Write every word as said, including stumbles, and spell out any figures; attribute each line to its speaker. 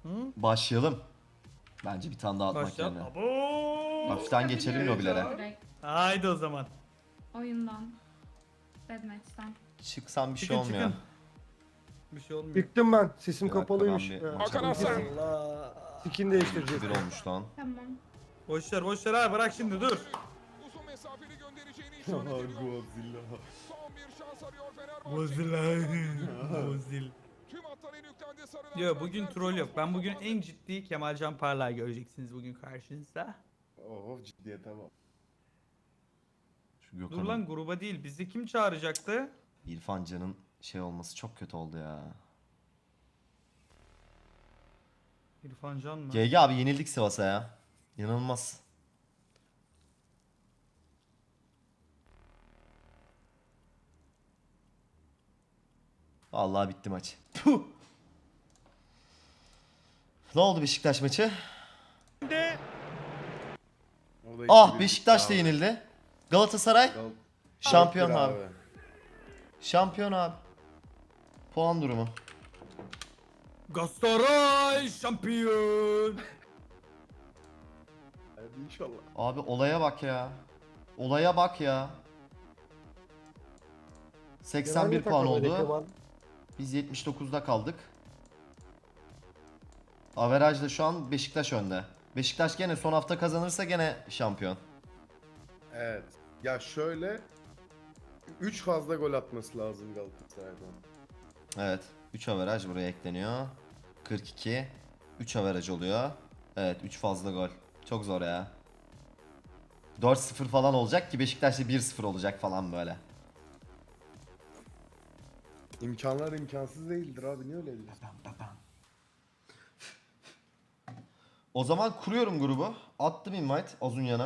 Speaker 1: Başlayalım. Bence bir tane daha atmak
Speaker 2: Başlayalım.
Speaker 1: yerine.
Speaker 2: Abo.
Speaker 1: Hafiften geçelim lobilere.
Speaker 3: Direkt
Speaker 2: Haydi o zaman.
Speaker 3: oyundan. Deathmatch'ten.
Speaker 1: Çıksan bir şey
Speaker 2: Çıkın
Speaker 1: olmuyor.
Speaker 2: çıkın. Bir şey olmuyor.
Speaker 4: Çıktım ben. Sesim
Speaker 1: Bir dakika,
Speaker 4: kapalıymış.
Speaker 1: ben bir
Speaker 4: Ya.
Speaker 1: maça
Speaker 5: Hakan Hasan.
Speaker 1: bakayım.
Speaker 2: Allah.
Speaker 4: Skin değiştireceğiz.
Speaker 1: Bir olmuş lan.
Speaker 3: Tamam.
Speaker 2: Boşver boşver abi bırak şimdi dur.
Speaker 5: Uzun mesafeli göndereceğini işaret ediyor. Son bir şans arıyor Fenerbahçe.
Speaker 2: Bozil. Bozil.
Speaker 5: Tüm hatlara yüklendi sarılar.
Speaker 2: Yo bugün troll yok. Ben bugün en ciddi Kemalcan Parlak göreceksiniz bugün karşınızda.
Speaker 6: Oh ciddiyete bak.
Speaker 1: Şu
Speaker 2: Dur
Speaker 1: Gökhan'ın,
Speaker 2: lan gruba değil. Bizi kim çağıracaktı?
Speaker 1: İrfan Can'ın şey olması çok kötü oldu ya.
Speaker 2: İrfan Can mı?
Speaker 1: G G abi yenildik Sivas'a ya. İnanılmaz. Vallahi bitti maç. Puh. Ne oldu Beşiktaş maçı?
Speaker 6: Orada
Speaker 1: Ah
Speaker 6: iki bir
Speaker 1: Beşiktaş da
Speaker 6: bitti abi.
Speaker 1: yenildi. Galatasaray
Speaker 6: Gal-
Speaker 1: şampiyon
Speaker 6: dört bir
Speaker 1: abi. Şampiyon abi. Puan durumu.
Speaker 2: Galatasaray şampiyon.
Speaker 6: Hadi inşallah.
Speaker 1: Abi olaya bak ya. Olaya bak ya. seksen bir puan oldu. Biz yetmiş dokuzda kaldık. Averajda şu an Beşiktaş önde. Beşiktaş gene son hafta kazanırsa gene şampiyon.
Speaker 6: Evet. Ya şöyle üç fazla gol atması lazım Galatasaray'dan.
Speaker 1: Evet. üç averaj buraya ekleniyor. kırk iki. üç averaj oluyor. Evet üç fazla gol. Çok zor ya. dört sıfır falan olacak ki Beşiktaş'ta bir sıfır olacak falan böyle.
Speaker 6: İmkanlar imkansız değildir abi, niye öyle diyorsun?
Speaker 1: O zaman kuruyorum grubu. Attım invite Azunyan'a.